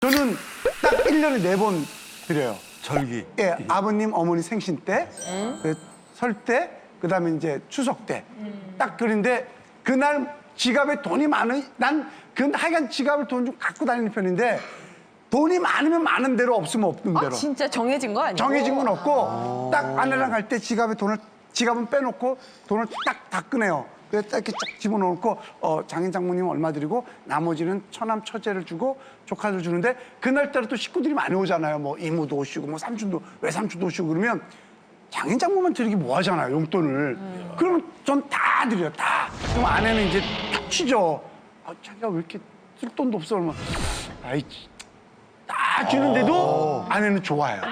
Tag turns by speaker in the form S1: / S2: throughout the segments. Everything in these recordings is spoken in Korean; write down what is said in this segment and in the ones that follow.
S1: 저는 딱 1년에 4번 드려요.
S2: 절기.
S1: 예, 아버님, 어머니 생신 때, 설 때, 그다음에 이제 추석 때. 딱 그런데 그날 지갑에 돈이 많은, 하여간 지갑을 돈 좀 갖고 다니는 편인데 돈이 많으면 많은 대로 없으면 없는 대로.
S3: 진짜 정해진 거 아니에요?
S1: 정해진 건 없고 딱 아내랑 갈 때 지갑은 빼놓고 돈을 딱 꺼내요. 그래서 딱 이렇게 쫙 집어넣고 장인 장모님 얼마 드리고 나머지는 처남 처제를 주고 조카들 주는데 그날따라 또 식구들이 많이 오잖아요. 뭐 이모도 오시고 뭐 삼촌도 외삼촌도 오시고 그러면 장인 장모만 드리기 뭐 하잖아요. 용돈을. 그러면 전 다 드려요. 다. 그럼 아내는 이제 탁 치죠. 자기가 왜 이렇게 쓸 돈도 없어 그러면 아이 다 주는데도 아내는 좋아요.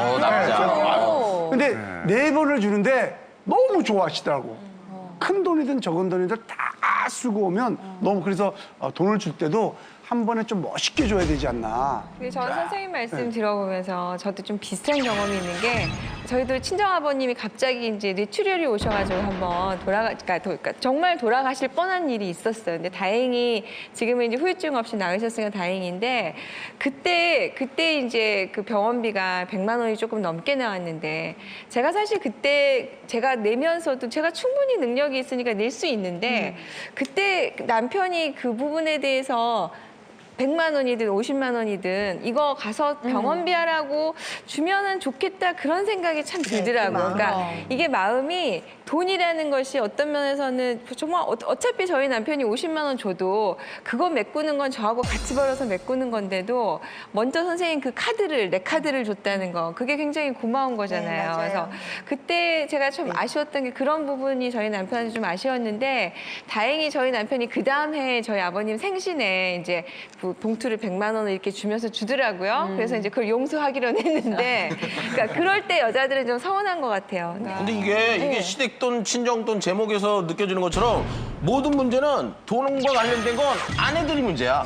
S1: 근데 4번을 주는데 너무 좋아하시더라고. 큰 돈이든 적은 돈이든 다 쓰고 오면 너무 그래서 돈을 줄 때도 한 번에 좀 멋있게 줘야 되지 않나.
S4: 근데 저 선생님 말씀 들어보면서 저도 좀 비슷한 경험이 있는 게 저희도 친정아버님이 갑자기 이제 뇌출혈이 오셔가지고 한번 그러니까 정말 돌아가실 뻔한 일이 있었어요. 근데 다행히 지금은 이제 후유증 없이 나으셨으니까 다행인데 그때 이제 그 병원비가 100만 원이 조금 넘게 나왔는데 제가 사실 그때 제가 내면서도 제가 충분히 능력이 있으니까 낼 수 있는데 그때 남편이 그 부분에 대해서 100만 원이든 50만 원이든 이거 가서 병원비 하라고 주면은 좋겠다 그런 생각이 참 들더라고요. 그러니까 이게 마음이 돈이라는 것이 어떤 면에서는 정말 어차피 저희 남편이 50만 원 줘도 그거 메꾸는 건 저하고 같이 벌어서 메꾸는 건데도 먼저 선생님 그 내 카드를 줬다는 거 그게 굉장히 고마운 거잖아요. 그래서 그때 제가 좀 아쉬웠던 게 그런 부분이 저희 남편한테 좀 아쉬웠는데 다행히 저희 남편이 그 다음 해에 저희 아버님 생신에 이제 그 봉투를 100만 원을 이렇게 주면서 주더라고요. 그래서 이제 그걸 용서하기로는 했는데 그러니까 그럴 때 여자들은 좀 서운한 것 같아요. 그러니까
S5: 근데 이게 시댁돈, 친정돈 제목에서 느껴지는 것처럼 모든 문제는 돈과 관련된 건 아내들이 문제야.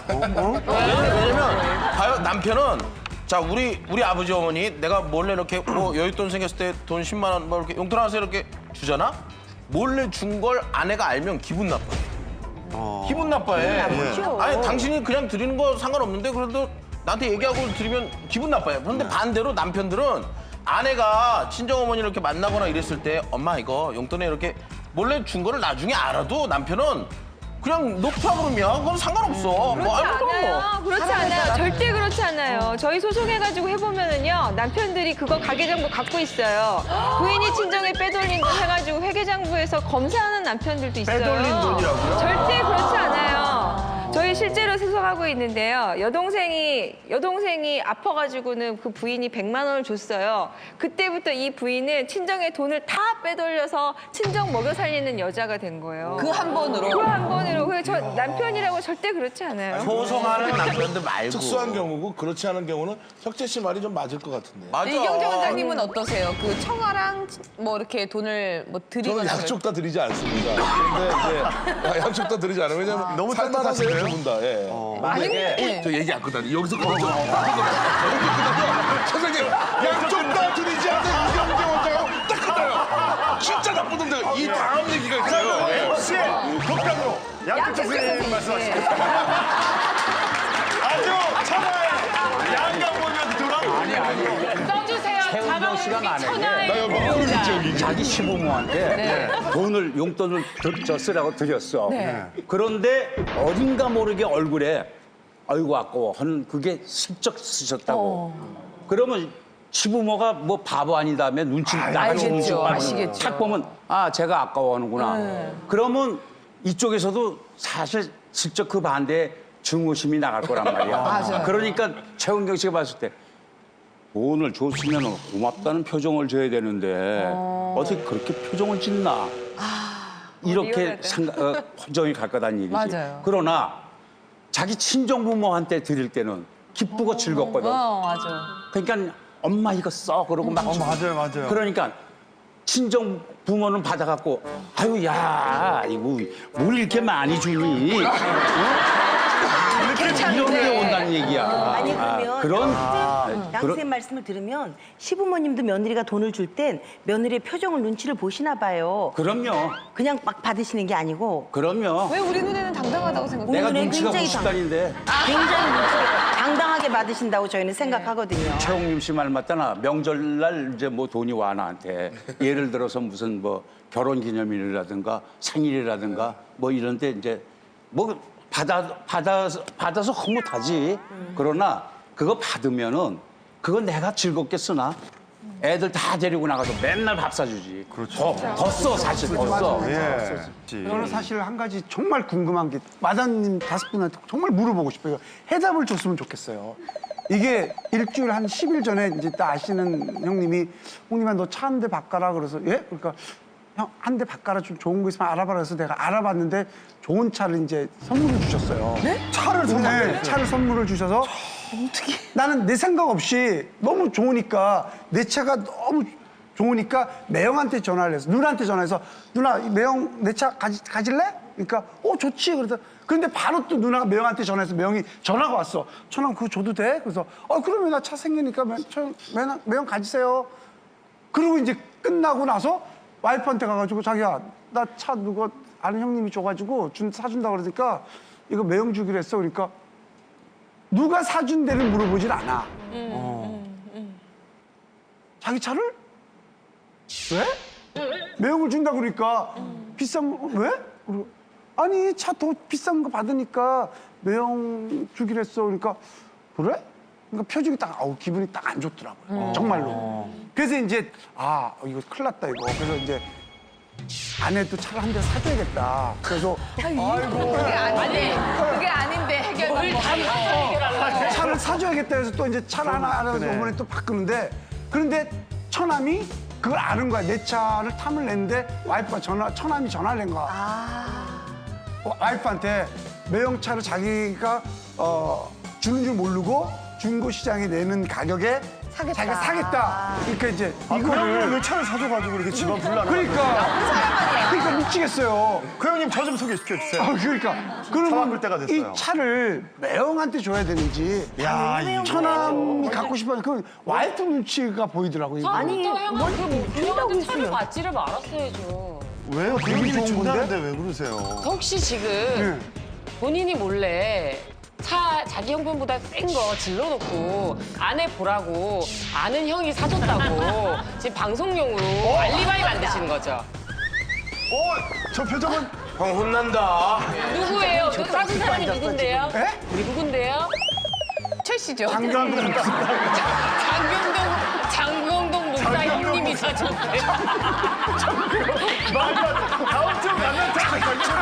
S5: 왜냐면 봐요, 남편은 자 우리 아버지 어머니 내가 몰래 이렇게 뭐 여윳돈 생겼을 때 돈 10만 원 뭐 이렇게 용돈 하나씩 이렇게 주잖아. 몰래 준 걸 아내가 알면 기분 나빠. 기분 나빠해. 아니 당신이 그냥 드리는 거 상관없는데 그래도 나한테 얘기하고 드리면 기분 나빠요. 그런데 반대로 남편들은 아내가 친정어머니를 이렇게 만나거나 이랬을 때 엄마 이거 용돈에 이렇게 몰래 준 거를 나중에 알아도 남편은 그냥 놓자 그러면 그건 상관없어. 뭐 아무도 뭐.
S4: 그렇지 않아요. 절대 그렇지 않아요. 저희 소송해가지고 해보면은요 남편들이 그거 가계장부 갖고 있어요. 부인이 친정에 빼돌린 돈 해가지고 회계장부에서 검사하는 남편들도 있어요.
S5: 빼돌린 돈이라고요?
S4: 절대 그렇지 않아요. 저희 실제로 소송하고 있는데요. 여동생이 아파가지고는 그 부인이 100만 원을 줬어요. 그때부터 이 부인은 친정의 돈을 다 빼돌려서 친정 먹여 살리는 여자가 된 거예요.
S3: 그 한 번으로?
S4: 그 한 번으로. 그래서 저 남편이라고 절대 그렇지 않아요.
S5: 소송하는 남편들 말고.
S6: 특수한 경우고 그렇지 않은 경우는 혁재 씨 말이 좀 맞을 것 같은데.
S5: 맞아.
S3: 이경재 원장님은 어떠세요? 그 청아랑 뭐 이렇게 돈을 뭐 드리거나
S6: 저는 양쪽 다 드리지 않습니다. 근데 이제 양쪽 다 드리지 않아요. 왜냐면
S1: 너무
S6: 살만하세요, 두 분 다. 예.
S5: 만약에
S6: 저 얘기 안 끝나요. 여기서 끝나죠. 선생님, 양쪽 다 드리지 않는 이경재 원장하고 딱 끝나요. 진짜 나쁜 놈들. 이 다음 얘기가 있어요.
S2: 혹시 독단으로 양쪽 선생님 말씀하시죠. 아주 천하의 양강모님한테 들어가고.
S7: 써주세요.
S8: 최은경 씨가 만약에
S6: 나 여기 모르겠죠
S8: 자기 시부모한테 돈을 용돈을 쓰라고 드렸어. 그런데 어딘가 모르게 얼굴에 아이고 아까워 하는 그게 슬쩍 쓰셨다고. 그러면 시부모가 뭐 바보 아니다며 눈치 나가지 눈치
S3: 알겠죠.
S8: 빠르고
S3: 아시겠죠.
S8: 딱 보면 아 제가 아까워하는구나. 그러면 이쪽에서도 사실 슬쩍 그 반대에 증오심이 나갈 거란 말이야.
S3: 맞아요.
S8: 그러니까 최은경 씨가 봤을 때 돈을 줬으면 고맙다는 표정을 줘야 되는데 어떻게 그렇게 표정을 짓나 이렇게 감정이 갈 거다는 얘기지.
S3: 맞아요.
S8: 그러나 자기 친정부모한테 드릴 때는 기쁘고 즐겁거든.
S3: 맞아.
S8: 그러니까 엄마 이거 써 그러고 막 주고.
S2: 맞아요.
S8: 그러니까 친정 부모는 받아갖고 아유 야 이거 뭘 이렇게 많이 주니? 어? 이런 게 온다는 얘기야.
S7: 아니 그러면
S8: 그런
S7: 양 선생님 말씀을 들으면 시부모님도 며느리가 돈을 줄 땐 며느리의 표정을 눈치를 보시나 봐요.
S8: 그럼요.
S7: 그냥 막 받으시는 게 아니고
S8: 그럼요.
S3: 왜 우리 눈에는 당당하다고 생각해요?
S8: 내가
S7: 눈에
S8: 눈치가
S7: 굉장히
S8: 90달인데
S7: 굉장히 눈치가 당당하게 받으신다고 저희는 생각하거든요.
S8: 최홍림 씨 말 맞잖아. 명절날 이제 뭐 돈이 와 나한테. 예를 들어서 무슨 뭐 결혼기념일이라든가 생일이라든가 뭐 이런데 이제 뭐 받아서 흐뭇하지. 그러나 그거 받으면은 그거 내가 즐겁게 쓰나? 애들 다 데리고 나가서 맨날 밥 사주지. 더 써, 사실 더 써.
S2: 예.
S1: 저는 사실 한 가지 정말 궁금한 게 마담님 5분한테 정말 물어보고 싶어요. 해답을 줬으면 좋겠어요. 이게 일주일 한 10일 전에 이제 딱 아시는 형님이 형님아 너 차 한 대 바꿔라 그래서 예? 그러니까 형 한 대 바꿔라 좀 좋은 거 있으면 알아봐라 해서 내가 알아봤는데 좋은 차를 이제 선물을 주셨어요. 네? 차를 선물을 주셔서 나는 내 생각 없이 너무 좋으니까 내 차가 너무 좋으니까 매형한테 전화를 해서 누나한테 전화해서 누나 매형 내 차 가질래? 그러니까 좋지. 그래서 근데 바로 또 누나가 매형한테 전화해서 매형이 전화가 왔어. 전화 그거 줘도 돼? 그래서 그러면 나 차 생기니까 매형 가지세요. 그리고 이제 끝나고 나서 와이프한테 가가지고 자기야 나 차 누가 아는 형님이 줘가지고 사준다 그러니까 이거 매형 주기로 했어. 그러니까 누가 사준 데를 물어보질 않아. 자기 차를? 왜? 매형을 준다 그러니까 비싼 거 왜? 그리고 아니 차 더 비싼 거 받으니까 매형 주기로 했어. 그러니까 그래? 그러니까 표정이 딱 기분이 딱 안 좋더라고요. 정말로. 그래서 이제 이거 큰일 났다 이거. 그래서 이제 아내도 차를 한 대 사줘야겠다. 그래서
S3: 그게 아닌데 해결.
S1: 차를 사줘야겠다 해서 또 이제 차를 하나 알아서 어머니 또 바꾸는데 그런데 처남이 그걸 아는 거야. 내 차를 탐을 냈는데 와이프가 처남이 전화를 낸 거야. 와이프한테 매형차를 자기가 주는 줄 모르고 중고시장에 내는 가격에 자기가 사겠다. 그러니까 이제
S2: 그러면 왜 차를 사줘가지고 이렇게 집안 불나는
S1: 그러니까 미치겠어요.
S2: 그 형님 저 좀 소개시켜 주세요.
S1: 그러니까
S2: 차
S1: 그러면
S2: 바꿀 때가 됐어요.
S1: 이 차를 매형한테 줘야 되는지 처남이 갖고 싶어하는 그 와이프 눈치가 보이더라고요. 이거.
S9: 처음부터 형은 그 유명한테 차를 받지를 말았어야죠.
S2: 왜요?
S1: 기분이
S2: 본인이
S1: 좋은
S2: 준다는데 왜 그러세요?
S9: 혹시 지금
S1: 네.
S9: 본인이 몰래 차 자기 형편보다 센 거 질러놓고 아내 보라고 아는 형이 사줬다고 지금 방송용으로 알리바이 만드시는 거죠?
S2: 저 표정은
S5: 형 혼난다.
S9: 누구예요? 그 사준 사람이 누군데요?
S1: 에?
S9: 누군데요?
S3: 최 씨죠.
S9: 장경동 목사 형님이 사줬대요.
S2: 다음 주 만날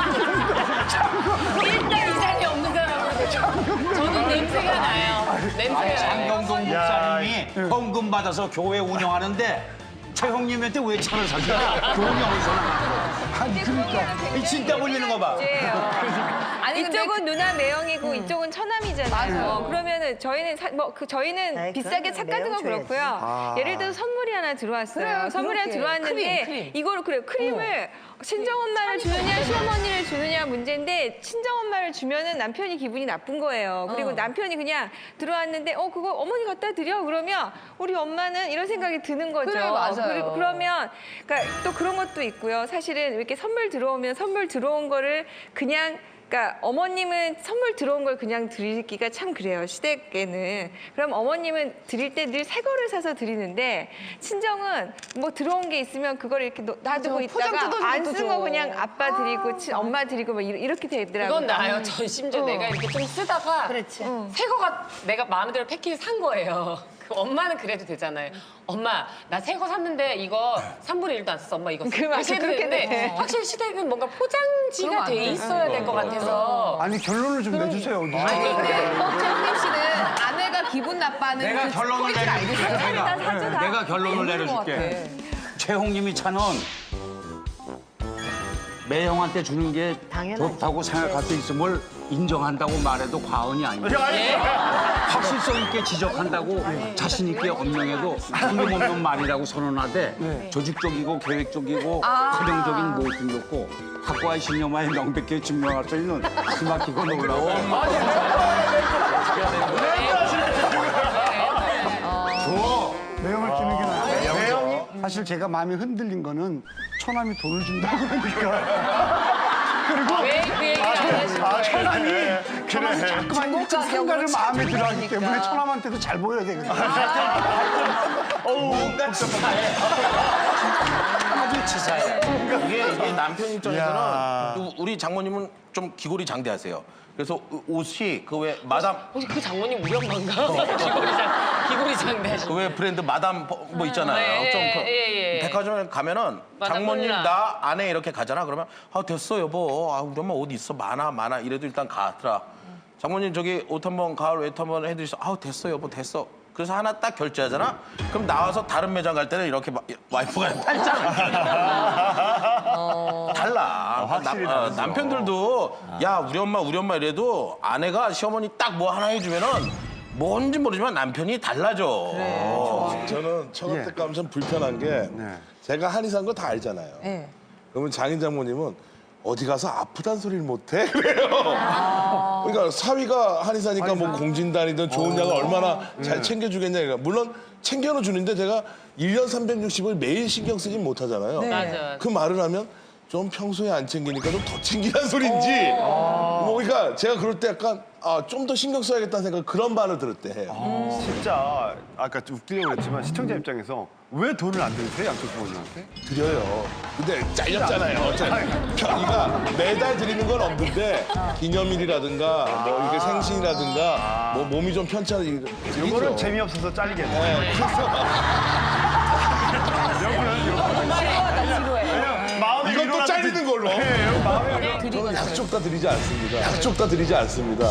S9: 일단 이상이 없는 사람으로 저는 냄새가 나요. 냄새가 나요.
S8: 장경동 목사님이 헌금 받아서 교회 운영하는데 최홍님한테 왜 차를 사주냐? 교회 운영에서는.
S1: 아니 그러니까
S8: 이 진짜 올리는 거 봐.
S4: 아니 이쪽은 누나 매형이고 이쪽은 처남이잖아요.
S3: 맞아.
S4: 그러면은 저희는 저희는
S7: 아이,
S4: 비싸게
S7: 그건
S4: 차 같은 건
S7: 매형
S4: 그렇고요. 예를 들어서 선물이 하나 들어왔어요.
S3: 그래요,
S4: 선물이 하나
S3: 그렇게.
S4: 들어왔는데
S3: 크림.
S4: 이거를 크림을 친정 엄마를 주느냐 시어머니를 주느냐 문제인데 친정 엄마를 주면은 남편이 기분이 나쁜 거예요. 그리고 남편이 그냥 들어왔는데 그거 어머니 갖다 드려 그러면 우리 엄마는 이런 생각이 드는 거죠.
S3: 그래, 맞아요.
S4: 그러면 그러니까 또 그런 것도 있고요. 사실은 이렇게 선물 들어오면 선물 들어온 거를 그냥 그러니까 어머님은 선물 들어온 걸 그냥 드리기가 참 그래요. 시댁에는. 그럼 어머님은 드릴 때 늘 새 거를 사서 드리는데 친정은 뭐 들어온 게 있으면 그걸 이렇게 놔두고
S3: 맞아, 포장
S4: 있다가
S3: 뜯어서
S4: 안
S3: 또
S4: 쓴
S3: 줘.
S4: 거 그냥 아빠 드리고 엄마 드리고 막 이렇게 되더라고요.
S9: 그건 나아요. 전 심지어 내가 이렇게 좀 쓰다가
S7: 그렇지.
S9: 새 거가 내가 마음에 들어 패키지 산 거예요. 그 엄마는 그래도 되잖아요. 엄마 나 새 거 샀는데 이거 3분의 1도 안 썼어. 엄마 이거
S4: 그 맞아,
S9: 이렇게
S4: 그렇게
S9: 되는데
S4: 돼.
S9: 확실히 시댁은 뭔가 포장지가
S3: 그럼 안
S9: 돼
S3: 돼.
S9: 있어야 될 것 같아서
S1: 아니 결론을 좀 내주세요.
S3: 최홍림 씨는 아내가 기분 나빠하는
S8: 내가
S3: 그
S8: 결론을
S3: 포인트를
S8: 내려줄게.
S3: 알겠어요.
S8: 내가 결론을 내려줄게. 최홍님이 차는 매형한테 주는 게
S7: 당연하죠.
S8: 좋다고 생각할 수 있음을 인정한다고 말해도 과언이 아니에요. 확실성 있게 지적한다고 자신 있게 언명해도 틀림없는 말이라고 선언하되 조직적이고 계획적이고 활용적인 모습이 없고 학과의 신념하에 명백히 증명할 수 있는 기막히고 놀라운
S1: 매형을 끼는 게 나아요. 매형이? 사실 제가 마음이 흔들린 거는 처남이 돈을 준다고 그러니까. 그리고
S9: 왜 그 얘기를 안 하신 거예요?
S1: 처남이 자꾸만 일찍 상가를 마음에 들어하기 때문에 처남한테도 잘 보여야 되거든요.
S8: 뭔가 치사해. 아주 치사해.
S5: 이게 남편 입장에서는 우리 장모님은 좀 기골이 장대하세요. 그래서 옷이 그 왜 마담
S9: 혹시 그 장모님 우리 엄마인가? 기골이 장대하신.
S5: 그 왜 브랜드 마담 뭐 있잖아요. 좀 백화점에 가면은
S9: 마담
S5: 장모님
S9: 몰라.
S5: 나 안에 이렇게 가잖아. 그러면 아 됐어 여보. 아 우리 엄마 옷 있어 많아. 이래도 일단 가더라. 장모님 저기 옷 한번 가을 외투 한번 해드리셔. 아 됐어 여보 됐어. 그래서 하나 딱 결제하잖아. 그럼 나와서 다른 매장 갈 때는 이렇게 와이프가 팔짱. 달라.
S2: 확실히
S5: 남편들도 야 우리 엄마 이래도 아내가 시어머니 딱 뭐 하나 해주면은 뭔지 모르지만 남편이 달라져.
S6: 저는 처갓 때 가면 참 불편한 게 제가 한의사인 거 다 알잖아요.
S3: 네.
S6: 그러면 장인 장모님은 어디 가서 아프단 소리를 못해 그래요. 그러니까 사위가 한의사니까 뭐 공진단이든 좋은 약을 얼마나 잘 챙겨주겠냐. 그러니까 물론 챙겨는 주는데 제가 1년 360을 매일 신경 쓰진 못하잖아요.
S9: 맞아.
S6: 그 말을 하면 좀 평소에 안 챙기니까 좀 더 챙기란 소린지. 뭐 그러니까 제가 그럴 때 약간 좀 더 신경 써야겠다는 생각 그런 말을 들을 때 해요.
S2: 진짜 아까 좀 웃기려고 그랬지만 시청자 입장에서 왜 돈을 안 드리세요 양쪽 부모님한테?
S6: 드려요. 근데 잘렸잖아요. 그러니까 매달 드리는 건 없는데 기념일이라든가 뭐 이렇게 생신이라든가 뭐 몸이 좀 편찮은
S2: 이거는 재미없어서 잘리겠네.
S6: 네, 그래서
S2: 마음이
S6: 이건 또 잘리는 걸로. 저는 약쪽 다 드리지 않습니다. 약쪽 다 드리지 않습니다.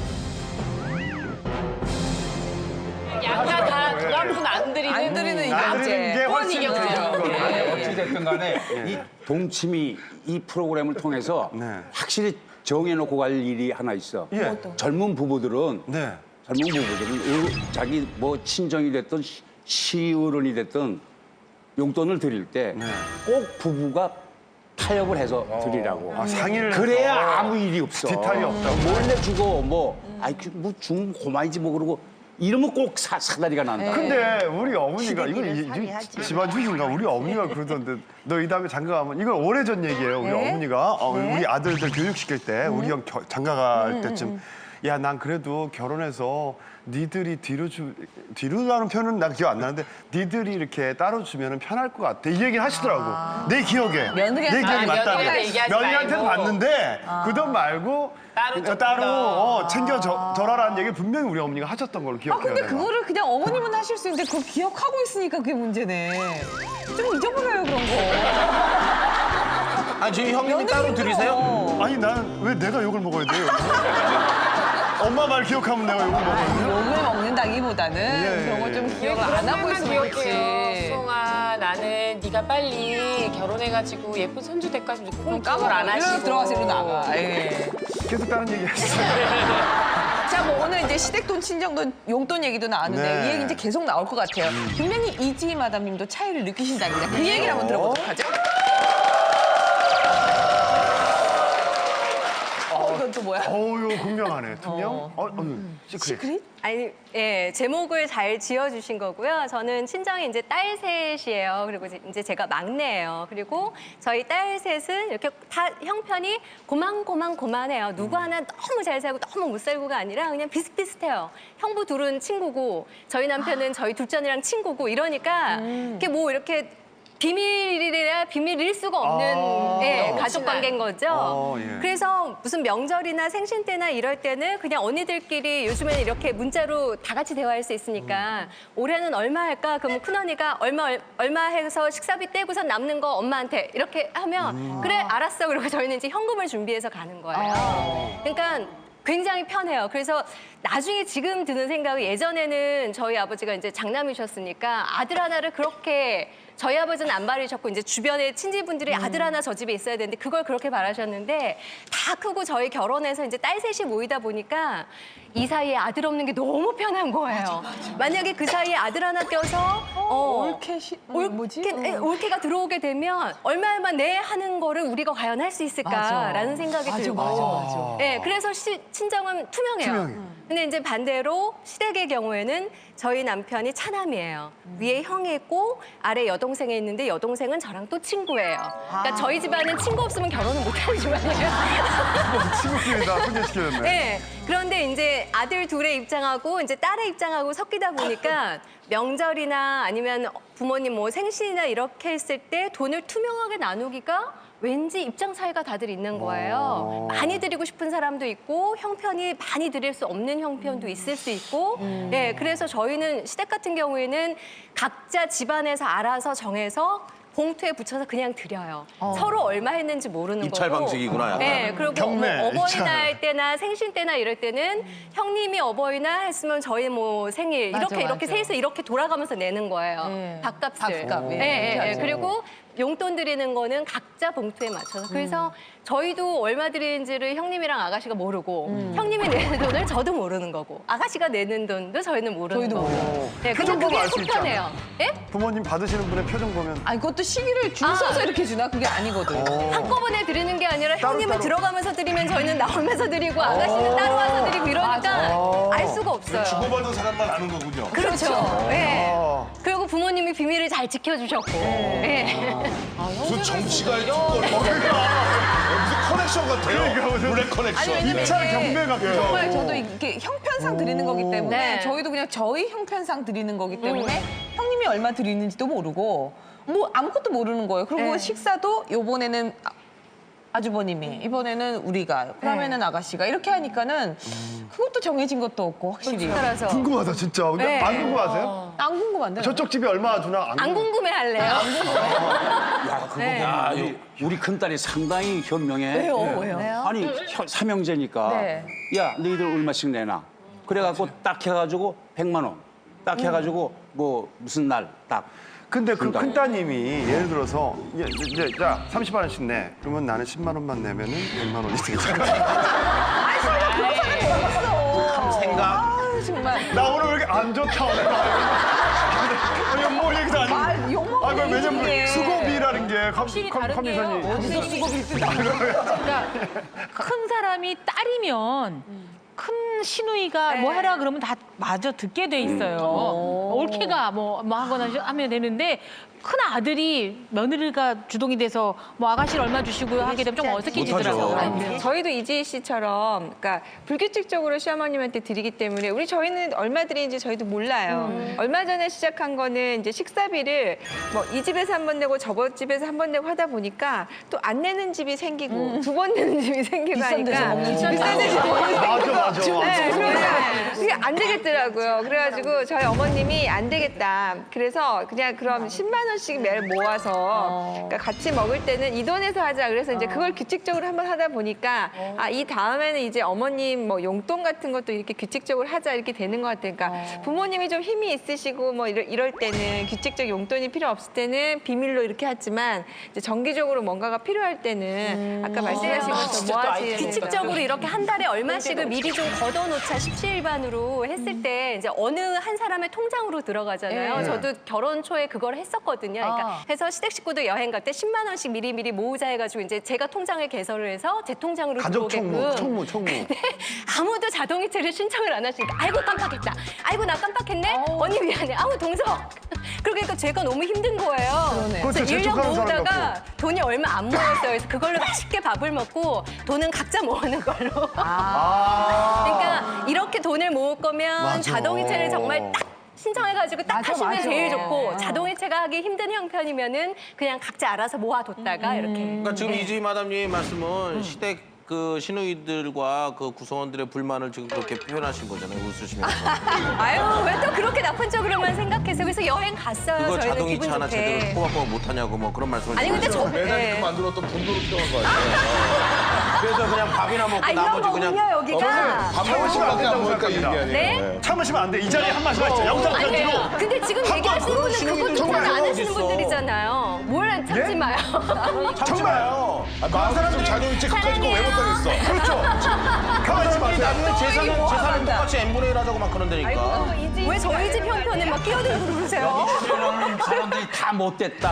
S9: 양가 다 돌아보면 안 드리는.
S3: 안 드리는 이게
S2: 안 드리는 게 훨씬 더
S9: 이겼어요.
S2: 좋은 거예요.
S8: 어찌됐든 간에 이 동치미 이 프로그램을 통해서 확실히 정해놓고 갈 일이 하나 있어.
S2: 예.
S8: 젊은 부부들은
S2: 네.
S8: 자기 뭐 친정이 됐든 시어른이 됐든 용돈을 드릴 때 꼭 부부가 타협을 해서 드리라고.
S2: 상의를
S8: 그래야
S2: 해서
S8: 아무 일이 없어.
S2: 뒤탈이 없다고.
S8: 몰래 주고 중 고마이지 뭐 그러고 이러면 꼭 사다리가 난다.
S2: 근데 우리 어머니가 이건
S7: 시댁이면 상의하지.
S2: 집안 주인가 우리 어머니가 그러던데 너 이 다음에 장가 가면 이건 오래전 얘기예요. 우리 어머니가 우리 아들들 교육시킬 때 우리 형 장가 갈 때쯤 야 난 그래도 결혼해서 니들이 뒤로라는 표현은 난 기억 안 나는데 니들이 이렇게 따로 주면 편할 것 같아. 이 얘기를 하시더라고. 내 기억에.
S3: 며느리한테.
S2: 내 기억이 맞다고.
S9: 며느리한테 얘기하지
S2: 며느리한테는
S9: 말고.
S2: 봤는데 그 돈 말고
S9: 따로
S2: 챙겨줘라는 얘기를 분명히 우리 어머니가 하셨던 걸로 기억해요.
S3: 근데
S2: 내가.
S3: 그거를 그냥 어머님은 하실 수 있는데 그걸 기억하고 있으니까 그게 문제네. 좀 잊어버려요 그런 거.
S5: 아니 저희 형님이 따로 드리세요?
S2: 아니 나는 왜 내가 욕을 먹어야 돼요? 엄마 말 기억하면 내가 욕을 먹어야 돼요?
S3: 욕을 먹는다기보다는 그런 걸 좀 기억을 안 하고 있으면 그렇지.
S9: 수홍아, 나는 네가 빨리 결혼해가지고 예쁜 손주 데까지 꼭
S3: 까먹
S9: 안 하시고.
S3: 들어가서 이러고 나가. 예.
S2: 계속 다른 얘기 하시죠.
S3: 자, 뭐 오늘 이제 시댁돈, 친정돈, 용돈 얘기도 나왔는데
S2: 네.
S3: 이 얘기 이제 계속 나올 것 같아요. 분명히 이지 마담님도 차이를 느끼신답니다. 그 얘기를 한번 들어보도록 하죠. 이건 또 뭐야?
S2: 어우, 분명하네. 투명? 시크릿.
S10: 아니, 예, 제목을 잘 지어주신 거고요. 저는 친정이 이제 딸 셋이에요. 그리고 이제 제가 막내예요. 그리고 저희 딸 셋은 이렇게 다 형편이 고만해요. 누구 하나 너무 잘 살고 너무 못 살고가 아니라 그냥 비슷비슷해요. 형부 둘은 친구고 저희 남편은 저희 둘째 언니랑 친구고 이러니까 이렇게 뭐 이렇게 비밀이라 비밀일 수가 없는 예, 가족 관계인 거죠.
S2: 예.
S10: 그래서 무슨 명절이나 생신 때나 이럴 때는 그냥 언니들끼리 요즘에는 이렇게 문자로 다 같이 대화할 수 있으니까 올해는 얼마 할까? 그러면 큰언니가 얼마 해서 식사비 떼고선 남는 거 엄마한테 이렇게 하면 그래 알았어. 그리고 저희는 이제 현금을 준비해서 가는 거예요. 그러니까 굉장히 편해요. 그래서 나중에 지금 드는 생각이 예전에는 저희 아버지가 이제 장남이셨으니까 아들 하나를 그렇게 저희 아버지는 안 바라셨고 이제 주변에 친지분들이 아들 하나 저 집에 있어야 되는데 그걸 그렇게 바라셨는데 다 크고 저희 결혼해서 이제 딸 셋이 모이다 보니까 이 사이에 아들 없는 게 너무 편한 거예요. 만약에 그 사이에 아들 하나 껴서 올케가 들어오게 되면 얼마만 내 하는 거를 우리가 과연 할 수 있을까라는 생각이 들고.
S3: 맞아.
S10: 네, 그래서 친정은 투명해요. 근데 이제 반대로 시댁의 경우에는 저희 남편이 차남이에요. 위에 형이 있고 아래 여동생이 있는데 여동생은 저랑 또 친구예요. 그러니까 저희 집안은 친구 없으면 결혼을 못하는 집안이에요.
S2: 친구끼리 다 소개시켜줬네.
S10: 네. 그런데 이제 아들 둘의 입장하고 이제 딸의 입장하고 섞이다 보니까 명절이나 아니면 부모님 뭐 생신이나 이렇게 했을 때 돈을 투명하게 나누기가 왠지 입장 차이가 다들 있는 거예요. 많이 드리고 싶은 사람도 있고 형편이 많이 드릴 수 없는 형편도 있을 수 있고 네, 그래서 저희는 시댁 같은 경우에는 각자 집안에서 알아서 정해서 봉투에 붙여서 그냥 드려요. 서로 얼마 했는지 모르는
S5: 입찰
S10: 거고.
S5: 방식이구나, 약간.
S10: 네, 그리고
S2: 경매,
S10: 뭐 어버이날
S2: 입찰.
S10: 때나 생신 때나 이럴 때는 형님이 어버이날 했으면 저희 뭐 생일
S3: 맞아,
S10: 이렇게
S3: 맞아.
S10: 셋이서 이렇게 돌아가면서 내는 거예요.
S3: 네.
S10: 밥값을.
S3: 밥값, 예.
S10: 네, 네,
S3: 맞아.
S10: 그리고 용돈 드리는 거는 각자 봉투에 맞춰서. 그래서 저희도 얼마 드리는지를 형님이랑 아가씨가 모르고 형님이 내는 돈을 저도 모르는 거고 아가씨가 내는 돈도 저희는 모르는
S3: 저희도
S10: 거고.
S3: 모르고.
S10: 네, 근데
S2: 표정 보면
S10: 그게
S2: 알 수
S10: 속편해요. 예?
S2: 부모님 받으시는 분의 표정 보면
S3: 아니 그것도 시기를 줄 서서 이렇게 주나? 그게 아니거든.
S10: 한꺼번에 드리는 게 아니라 형님은
S2: 따로.
S10: 들어가면서 드리면 저희는 나오면서 드리고 아가씨는 따로 와서 드리고 이러니까 알 수가 없어요.
S6: 주고받은 사람만 아는 거군요.
S10: 그렇죠. 네. 그리고 부모님이 비밀을 잘 지켜주셨고. 네.
S6: 그 정치가 무슨 커넥션 같아요. 블랙 커넥션.
S3: 왜냐면
S2: 입찰
S3: 이게
S2: 경매 같기도
S3: 정말
S2: 하고.
S3: 저도 이렇게 형편상 드리는 거기 때문에
S10: 네.
S3: 저희도 그냥 저희 형편상 드리는 거기 때문에 형님이 얼마 드리는지도 모르고 뭐 아무것도 모르는 거예요. 그리고
S10: 네.
S3: 식사도 요번에는 아주버님이 이번에는 우리가 그다음에는 아가씨가 이렇게 하니까는 그것도 정해진 것도 없고 확실히
S10: 따라서
S2: 궁금하다 진짜. 근데
S10: 네.
S2: 안 궁금하세요?
S3: 안 궁금한데
S2: 저쪽 집이 얼마 주나
S10: 안 궁금해 할래요?
S8: 야, 그거
S10: 네.
S8: 보면 우리 큰딸이 상당히 현명해.
S3: 왜요?
S8: 아니, 삼형제니까.
S3: 네.
S8: 야, 너희들 얼마씩 내놔. 그래갖고 딱 해가지고 100만 원. 딱 해가지고 뭐 무슨 날 딱.
S2: 근데 그
S8: 준다고.
S2: 큰따님이 예를 들어서 이제 자 30만 원씩 내. 그러면 나는 10만 원만 내면은 100만 원이 되잖아.
S5: 생각.
S3: 아, 정말
S2: 나 오늘 왜 이렇게 안 좋다 오늘. 아니 뭐 얘기도 아니고.
S3: 욕먹는
S2: 아, 왜냐면
S3: 얘기인데.
S2: 수고비라는 게
S9: 확실히 다른데요.
S2: 커미션이.
S9: 그러니까 큰 사람이 딸이면 큰 시누이가 뭐 해라 그러면 다 마저 듣게 돼 있어요. 올케가 뭐 하거나 하면 되는데 큰 아들이 며느리가 주동이 돼서 뭐 아가씨를 얼마 주시고요 하게 되면 좀 어색해지더라고요.
S4: 아니, 저희도 이지희 씨처럼 그러니까 불규칙적으로 시어머님한테 드리기 때문에 저희는 얼마 드리는지 저희도 몰라요. 얼마 전에 시작한 거는 이제 식사비를 뭐 이 집에서 한 번 내고 저번 집에서 한 번 내고 하다 보니까 또 안 내는 집이 생기고 두 번 내는 집이 생기고
S3: 비싼 데서
S4: 하니까
S3: 먹는 집.
S4: 비싼 데서 먹는
S2: 맞아.
S4: 네, 그러니까 그게 안 되겠더라고요. 그래가지고 저희 어머님이 안 되겠다. 그래서 그냥 그럼 10만 원씩 매일 모아서 그러니까 같이 먹을 때는 이 돈에서 하자. 그래서 이제 그걸 규칙적으로 한번 하다 보니까 이 다음에는 이제 어머님 뭐 용돈 같은 것도 이렇게 규칙적으로 하자 이렇게 되는 것 같아요. 그러니까 부모님이 좀 힘이 있으시고 뭐 이럴 때는 규칙적 용돈이 필요 없을 때는 비밀로 이렇게 하지만 이제 정기적으로 뭔가가 필요할 때는 아까 말씀하신 것처럼 모아지
S10: 규칙적으로 이렇게 한 달에 얼마씩을 미리 좀 걷어놓자 십시일반으로 했을 때 이제 어느 한 사람의 통장으로 들어가잖아요.
S3: 네.
S10: 저도 결혼 초에 그걸 했었거든요. 그러니까 해서 시댁 식구들 여행 갈 때 10만 원씩 미리 모으자 해가지고 이제 제가 통장을 개설을 해서 제 통장으로
S2: 가족
S10: 들어오게끔.
S2: 총무.
S10: 아무도 자동이체를 신청을 안 하시니까 아이고 깜빡했다. 아이고 나 깜빡했네. 언니 미안해. 아우 동석. 그러니까 제가 너무 힘든 거예요.
S3: 그러네.
S10: 그래서
S2: 그렇죠.
S10: 1년
S2: 재촉하는 사람
S10: 모으다가 돈이 얼마 안 모였어요. 그래서 그걸로 맛있게 밥을 먹고 돈은 각자 모으는 걸로. 그러니까 이렇게 돈을 모을 거면
S2: 맞아.
S10: 자동이체를 정말 딱 신청해가지고 딱
S3: 맞아,
S10: 하시면
S3: 맞아.
S10: 제일 좋고 자동이체가 하기 힘든 형편이면은 그냥 각자 알아서 모아뒀다가 이렇게.
S5: 그러니까 지금 이지희 마담님 말씀은 시댁 그 시누이들과 그 구성원들의 불만을 지금 그렇게 표현하신 거잖아요. 웃으시면서.
S10: 아유 왜 또 그렇게 나쁜 쪽으로만 생각해서 그래서 여행 갔어요.
S5: 그거
S10: 저희는
S5: 자동이체
S10: 기분
S5: 하나 제대로
S10: 좋게.
S5: 꼬박꼬박 못하냐고 뭐 그런 말씀을
S10: 아니 근데 저
S6: 매달
S10: 예.
S6: 이렇게 만들었던 돈으로 필요한 거 아니에요?
S5: 그래서 그냥 밥이나 먹고
S10: 아 이런
S5: 나머지 그냥
S10: 거군요 여기가.
S6: 밥 먹을 시간밖에 안 보니까 얘기 아니에요.
S10: 네?
S2: 참으시면 안 돼. 이 자리에 한 말씀 하시죠. 영상 편지로.
S10: 아니에요. 근데 지금 얘기하시는 분은 그것도
S5: 정말
S10: 안
S5: 어디
S10: 하시는
S5: 있어.
S10: 분들이잖아요. 뭘 참지 마요.
S5: 참지 마요.
S6: 마음 좀 자존이체 그까짓 거 왜 못하겠어?
S2: 그렇죠. 가만히 있지 마세요.
S5: 나중에 재산은 똑같이 n분의 1 하자고 막 그런다니까.
S10: 왜 저희 집 형편에 막 끼어들고 그러세요?
S8: 이런 사람들이 다 못됐다.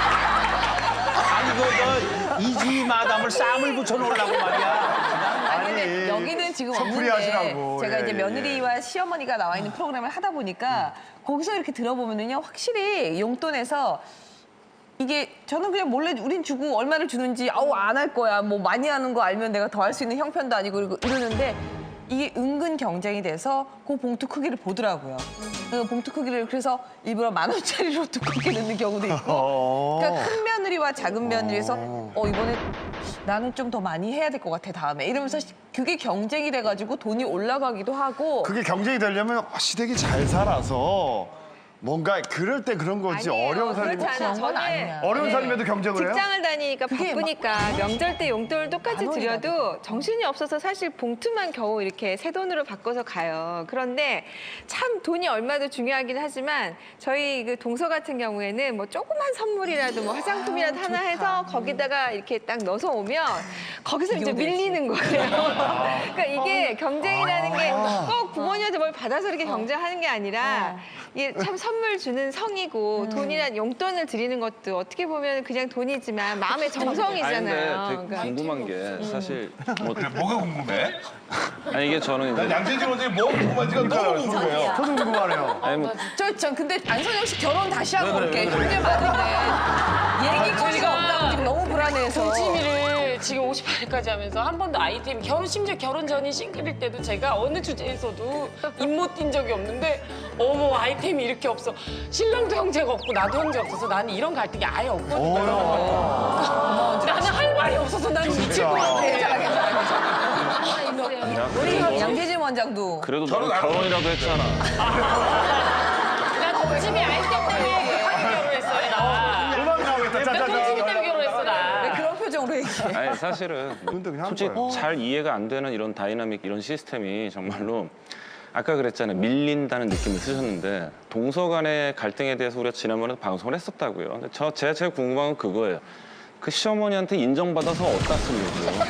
S8: 아니, 이지 마담을 쌈을 붙여놓으려고 말이야.
S3: 근데 여기는 지금
S2: 섣불리
S3: 없는데
S2: 하시라고.
S3: 제가
S2: 예,
S3: 이제
S2: 예,
S3: 며느리와 시어머니가 나와 있는 프로그램을 하다 보니까 거기서 이렇게 들어보면은요 확실히 용돈에서 이게 저는 그냥 몰래 우린 주고 얼마를 주는지 아우 안 할 거야 뭐 많이 하는 거 알면 내가 더 할 수 있는 형편도 아니고 이러는데 이게 은근 경쟁이 돼서 그 봉투 크기를 보더라고요. 그 봉투 크기를 그래서 일부러 10,000원짜리로 두껍게 넣는 경우도 있고. 그러니까 큰 며느리와 작은 며느리에서 이번에 나는 좀 더 많이 해야 될 것 같아 다음에 이러면서 그게 경쟁이 돼가지고 돈이 올라가기도 하고.
S2: 그게 경쟁이 되려면 시댁이 잘 살아서 뭔가 그럴 때 그런 거지.
S4: 아니에요.
S2: 어려운 삶이
S4: 그렇지 않아요.
S3: 그런 건
S4: 저는
S3: 아니야.
S2: 어려운 삶에도 경쟁을 해요?
S4: 직장을 다니니까
S3: 그게
S4: 바쁘니까 명절 때 용돈을 똑같이
S3: 만원이나
S4: 드려도 정신이 없어서 사실 봉투만 겨우 이렇게 새 돈으로 바꿔서 가요. 그런데 참 돈이 얼마도 중요하긴 하지만 저희 그 동서 같은 경우에는 뭐 조그만 선물이라도 뭐 화장품이라도 하나 해서 거기다가 이렇게 딱 넣어서 오면 거기서 이제 밀리는 거예요. 그러니까 이게 경쟁이라는 게 꼭 부모님한테 뭘 받아서 이렇게 경쟁하는 게 아니라 이게 참 선물 주는 성이고 돈이란 용돈을 드리는 것도 어떻게 보면 그냥 돈이지만 마음의 정성이잖아요.
S11: 아니, 근데 되게 궁금한 게 사실 뭐
S6: 뭐가 궁금해?
S11: 아니 이게 저는
S6: 난
S11: 이제
S6: 양재진 원장이 뭐가 궁금한지가 너무 궁금해요.
S2: 저도 궁금하네요.
S11: 아니 뭐
S3: 저 근데 안선영 씨 결혼 다시 하고 올게. 형제 많은데 얘기거리가 없다고 지금 너무 불안해서.
S12: 동치미를 지금 58일까지 하면서 한 번도 아이템 심지어 결혼 전인 싱글일 때도 제가 어느 주제에서도 입 못 띈 적이 없는데 어머 아이템이 이렇게 없어. 신랑도 형제가 없고 나도 형제 없어서 나는 이런 갈등이 아예 없거든요. 나는 할 말이 없어서 나는 미칠 것 같아.
S3: 우리 양재진 원장도
S11: 그래도 너는 결혼이라도 했잖아.
S12: 나 동치미 아이템 때문에 결혼했어요. 나.
S2: 음악 나오겠다.
S12: 나 동치미 때문에 결혼했어 나.
S3: 왜 그런 표정으로 얘기해?
S11: 아니 사실은
S2: 그냥 한
S11: 솔직히
S2: 거예요.
S11: 잘 이해가 안 되는 이런 다이나믹 이런 시스템이 정말로 아까 그랬잖아요. 밀린다는 느낌을 쓰셨는데 동서 간의 갈등에 대해서 우리가 지난번에 방송을 했었다고요. 근데 제가 제일 궁금한 건 그거예요. 그 시어머니한테 인정받아서 어디다 쓰려고요?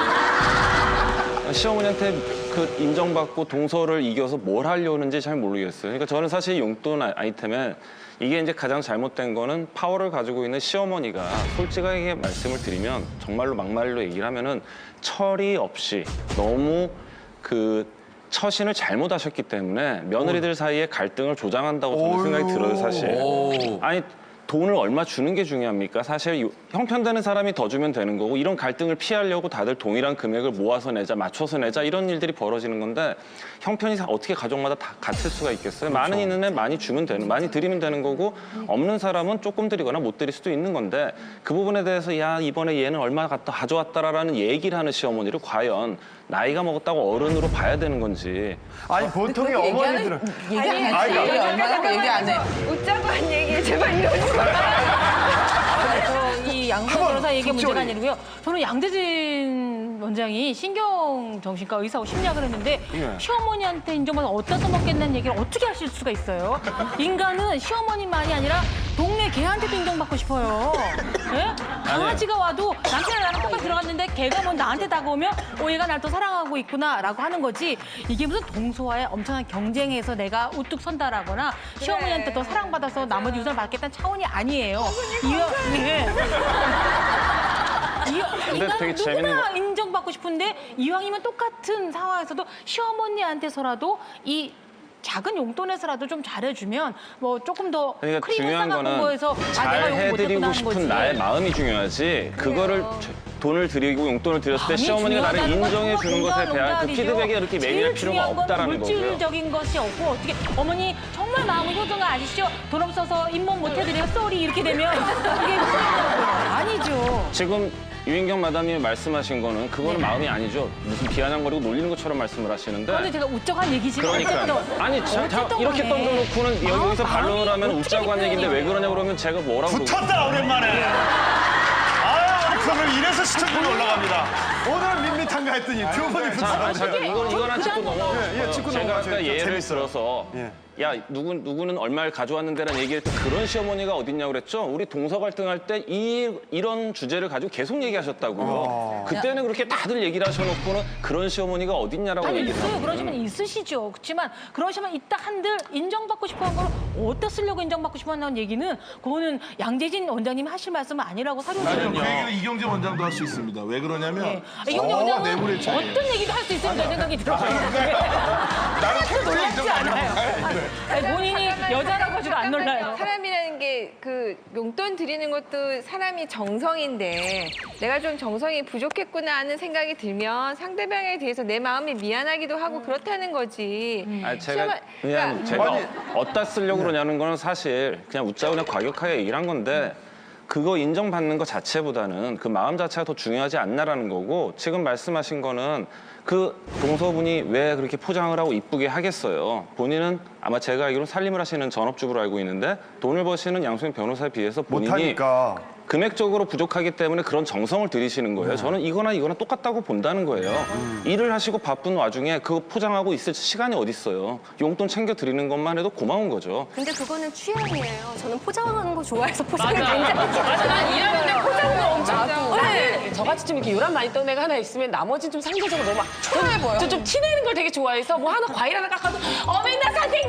S11: 시어머니한테 그 인정받고 동서를 이겨서 뭘 하려는지 잘 모르겠어요. 그러니까 저는 사실 용돈 아이템에 이게 이제 가장 잘못된 거는 파워를 가지고 있는 시어머니가 솔직하게 말씀을 드리면 정말로 막말로 얘기를 하면은 철이 없이 너무 그 처신을 잘못하셨기 때문에 며느리들 사이에 갈등을 조장한다고 저는 생각이 들어요, 사실. 아니 돈을 얼마 주는 게 중요합니까? 사실 형편되는 사람이 더 주면 되는 거고 이런 갈등을 피하려고 다들 동일한 금액을 모아서 내자, 맞춰서 내자 이런 일들이 벌어지는 건데 형편이 어떻게 가족마다 다 같을 수가 있겠어요? 많은 있는 애 많이 주면 되는, 많이 드리면 되는 거고 없는 사람은 조금 드리거나 못 드릴 수도 있는 건데 그 부분에 대해서 야 이번에 얘는 얼마 갖다 가져왔다라는 얘기를 하는 시어머니를 과연 나이가 먹었다고 어른으로 봐야 되는 건지.
S2: 아니 보통의
S3: 그렇게
S2: 어머니들은
S3: 얘기 안
S2: 아니,
S3: 하지.
S2: 그러니까
S3: 얼마나 얘기 안 해.
S4: 웃자고 한 얘기에 제발 이러지 마.
S9: 이 양재 변호사 얘기 문제가 아니고요. 저는 양재진 원장이 신경정신과 의사고 심리학을 했는데 시어머니한테 인정받아 어디다 써먹겠다는 얘기를 어떻게 하실 수가 있어요? 인간은 시어머니만이 아니라 동네 개한테도 인정받고 싶어요. 예? 강아지가 와도 남편이랑 나랑 똑같이 들어갔는데 걔가 뭐 나한테 다가오면 얘가 날 또 사랑하고 있구나라고 하는 거지. 이게 무슨 동서와의 엄청난 경쟁에서 내가 우뚝 선다라거나 시어머니한테 더 사랑받아서 나머지 유산을 받겠다는 차원이 아니에요.
S11: 근데 되게 재밌는
S9: 누구나
S11: 거.
S9: 인정받고 싶은데 이왕이면 똑같은 상황에서도 시어머니한테서라도 이 작은 용돈에서라도 좀 잘해주면 뭐 조금 더
S11: 그러니까
S9: 크림을
S11: 중요한
S9: 싸갖고
S11: 거는
S9: 거에서
S11: 잘
S9: 내가 용돈 못했구나
S11: 해드리고
S9: 하는
S11: 싶은
S9: 거지.
S11: 나의 마음이 중요하지. 그거를 돈을 드리고 용돈을 드렸을 때
S9: 아니,
S11: 시어머니가 나를
S9: 중요하다는 건
S11: 인정해 주는 것에
S9: 정말
S11: 대한 그
S9: 농담이죠.
S11: 피드백이 이렇게 매일
S9: 제일
S11: 필요가
S9: 중요한 건
S11: 없다라는 거고요.
S9: 물질적인 것이 없고 어떻게 어머니 정말 마음이 효도가 아시죠? 돈 없어서 잇몸 못 해드려요. 쏘리 이렇게 되면 이게 아니죠.
S11: 지금 유인경 마담님이 말씀하신 거는 그거는 마음이 아니죠. 무슨 비아냥거리고 놀리는 것처럼 말씀을 하시는데.
S9: 근데 제가 웃적한 얘기지만
S11: 그러니까
S9: 어쨌든
S11: 아니
S9: 어쨌든
S11: 이렇게
S9: 간에
S11: 던져놓고는 여기서 반론을 하면
S9: 어떻게
S11: 웃자고 한 얘기인데 왜 그러냐고 그러면 제가 뭐라고
S2: 붙었다 오랜만에. 아 그러면 이래서 시청률이 올라갑니다. 오늘은 밋밋한가 했더니 두 번이
S11: 자,
S2: 붙었어요.
S11: 잠깐 이거나 짚고 넘어.
S2: 예, 짚고
S11: 제가
S2: 넘어가세요.
S11: 아까 예를
S2: 재밌어요.
S11: 들어서
S2: 예.
S11: 야 누구는 얼마를 가져왔는데라는 얘기를 또 그런 시어머니가 어딨냐고 그랬죠. 우리 동서 갈등할 때 이런 주제를 가지고 계속 얘기하셨다고요. 그때는 그렇게 다들 얘기를 하셔놓고는 그런 시어머니가 어딨냐라고
S9: 아니
S11: 얘기를
S9: 있어요.
S11: 하고.
S9: 그런 시면 있으시죠. 그렇지만 그런 시면 있다 한들 인정받고 싶어한 걸 어디다 쓰려고 인정받고 싶어한다는 얘기는 그거는 양재진 원장님이 하실 말씀은 아니라고
S6: 아니요,
S9: 사료를
S6: 그 얘기는 이경재 원장도 할 수 있습니다. 왜 그러냐면
S9: 이경재 원장은
S6: 뇌물의 차이.
S9: 어떤 얘기도 할 수 있다는 생각이 들어요.
S6: 나는
S9: 놀랍지 않아요. 아니, 본인이 여자라고 해도 안 놀라요.
S4: 사람이라는 게 그 용돈 드리는 것도 사람이 정성인데 내가 좀 정성이 부족했구나 하는 생각이 들면 상대방에 대해서 내 마음이 미안하기도 하고 그렇다는 거지.
S11: 아니, 제가
S4: 시어머-
S11: 그냥
S4: 그러니까
S11: 제가 어디다 쓰려고 그러냐는 거는 사실 그냥 웃자고 그냥 과격하게 얘기를 한 건데 그거 인정받는 것 자체보다는 그 마음 자체가 더 중요하지 않나라는 거고 지금 말씀하신 거는 그 동서분이 왜 그렇게 포장을 하고 이쁘게 하겠어요. 본인은 아마 제가 알기로 살림을 하시는 전업주부로 알고 있는데 돈을 버시는 양수인 변호사에 비해서 본인이
S2: 못하니까.
S11: 금액적으로 부족하기 때문에 그런 정성을 들이시는 거예요. 저는 이거나 똑같다고 본다는 거예요. 일을 하시고 바쁜 와중에 그거 포장하고 있을 시간이 어디 있어요. 용돈 챙겨 드리는 것만 해도 고마운 거죠.
S10: 근데 그거는 취향이에요. 저는 포장하는 거 좋아해서 포장을
S12: 맞아.
S10: 굉장히
S12: 맞아. 난 일하는데 포장도 엄청
S3: 나도.
S12: 하고. 나는 저같이 좀 이렇게 요란 많이 떠는 애가 하나 있으면 나머지는 좀 상대적으로 너무 초라해 보여. 좀 티내는 걸 되게 좋아해서 뭐 하나 과일 하나 깎아도 어머나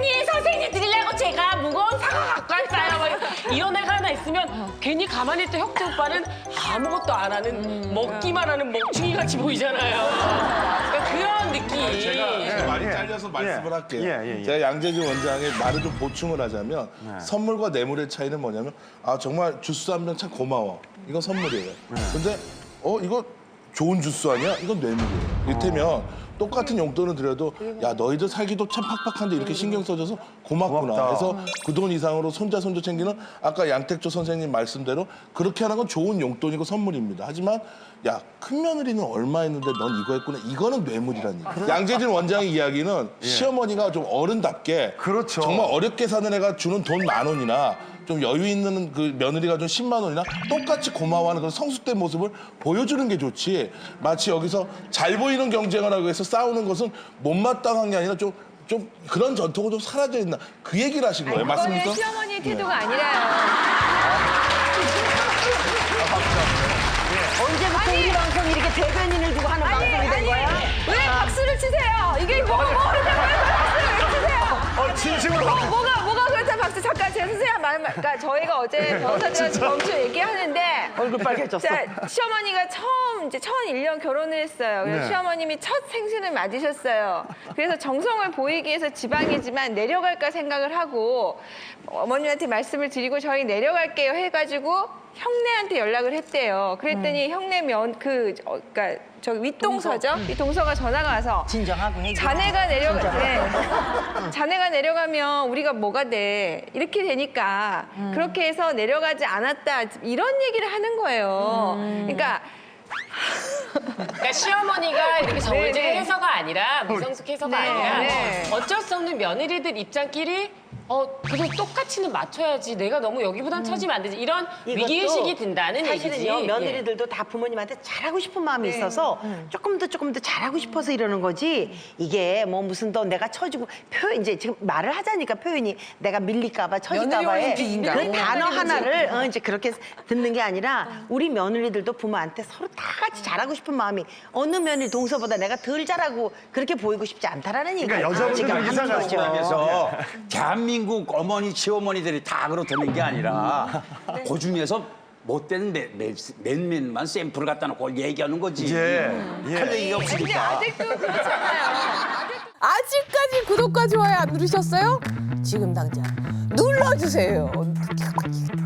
S12: 선생님 드리려고 제가 무거운 사과 갖고 왔어요. 막 이런 애가 하나 있으면 괜히 가만히 있던 혁재 오빠는 아무것도 안 하는 먹기만 하는 먹충이 같이 보이잖아요. 그러니까 그런 느낌.
S6: 제가 말이
S2: 예.
S6: 잘려서 말씀을
S2: 예.
S6: 할게요.
S2: 예.
S6: 제가 양재진 원장의 말을 좀 보충을 하자면 선물과 뇌물의 차이는 뭐냐면 아 정말 주스 한 병 참 고마워. 이건 선물이에요. 근데 이거 좋은 주스 아니야? 이건 뇌물이에요. 이를테면 똑같은 용돈을 드려도 야 너희들 살기도 참 팍팍한데 이렇게 신경 써줘서 고맙구나.
S2: 고맙다.
S6: 해서 그 돈 이상으로 손자 챙기는 아까 양택조 선생님 말씀대로 그렇게 하는 건 좋은 용돈이고 선물입니다. 하지만 야 큰 며느리는 얼마 했는데 넌 이거 했구나. 이거는 뇌물이라니. 양재진 원장의 이야기는 시어머니가 좀 어른답게
S2: 그렇죠.
S6: 정말 어렵게 사는 애가 주는 돈 10,000원이나 좀 여유 있는 그 며느리가 준 10만 원이나 똑같이 고마워하는 그런 성숙된 모습을 보여주는 게 좋지. 마치 여기서 잘 보이는 경쟁을 하기 위해서 싸우는 것은 못마땅한 게 아니라 좀 그런 전통은 좀 사라져 있나 그 얘기를 하신 거예요.
S4: 그거는
S6: 맞습니까?
S4: 시어머니의 태도가 아니라요.
S7: 언제부터 우리 방송이 이렇게 대변인을 두고 하는 방송이 된 거야?
S4: 왜 박수를 치세요? 이게 뭐가 모르는데 왜 박수를 왜 치세요?
S2: 진심으로
S4: 뭐가 그렇다 박수 잠깐 제 선생님 그러니까 저희가 어제 변호사들한테 점수 얘기하는데
S7: 얼굴 빨개졌어.
S4: 자, 시어머니가 처음 이제 1001년 결혼을 했어요. 그래서
S2: 네.
S4: 시어머님이 첫 생신을 맞으셨어요. 그래서 정성을 보이기 위해서 지방이지만 내려갈까 생각을 하고 어머님한테 말씀을 드리고 저희 내려갈게요 해가지고 형네한테 연락을 했대요. 그랬더니 형네 그러니까 저 윗동서죠? 윗동서가 전화가 와서
S7: 진정하고 해.
S4: 자네가 내려가면 우리가 뭐가 돼 이렇게 되니까 그렇게 해서 내려가지 않았다 이런 얘기를 하는 거예요. 그러니까
S12: 그러니까 시어머니가 이렇게 정해진
S4: 네네.
S12: 해서가 아니라 미성숙 해서가
S4: 네,
S12: 아니라
S4: 네.
S12: 어쩔 수 없는 며느리들 입장끼리 그래도 똑같이는 맞춰야지. 내가 너무 여기보단 처지면 안 되지. 이런 위기의식이 든다는
S7: 사실은요,
S12: 얘기지.
S7: 며느리들도 다 부모님한테 잘하고 싶은 마음이 있어서 조금 더 잘하고 싶어서 이러는 거지. 이게 뭐 무슨 더 내가 처지고 이제 지금 말을 하자니까 표현이 내가 밀릴까봐 처질까봐에
S3: 며느리 올림픽인가?
S7: 그 단어 하나를 이제 그렇게 듣는 게 아니라 우리 며느리들도 부모한테 서로 다 같이 잘하고 싶은 마음이 어느 며느리 동서보다 내가 덜 잘하고 그렇게 보이고 싶지 않다라는 얘기를
S2: 그러니까 여자분들은
S7: 지금 하는
S2: 이상하죠.
S7: 거죠.
S8: 그래서 대한민국 어머니, 시어머니들이 다 그렇다는 게 아니라 그 중에서 못된 몇몇만 샘플을 갖다 놓고 얘기하는 거지. 할 얘기가
S4: 근데
S8: 없으니까.
S4: 아직도 그렇잖아요.
S13: 아직까지 구독과 좋아요 안 누르셨어요? 지금 당장 눌러주세요.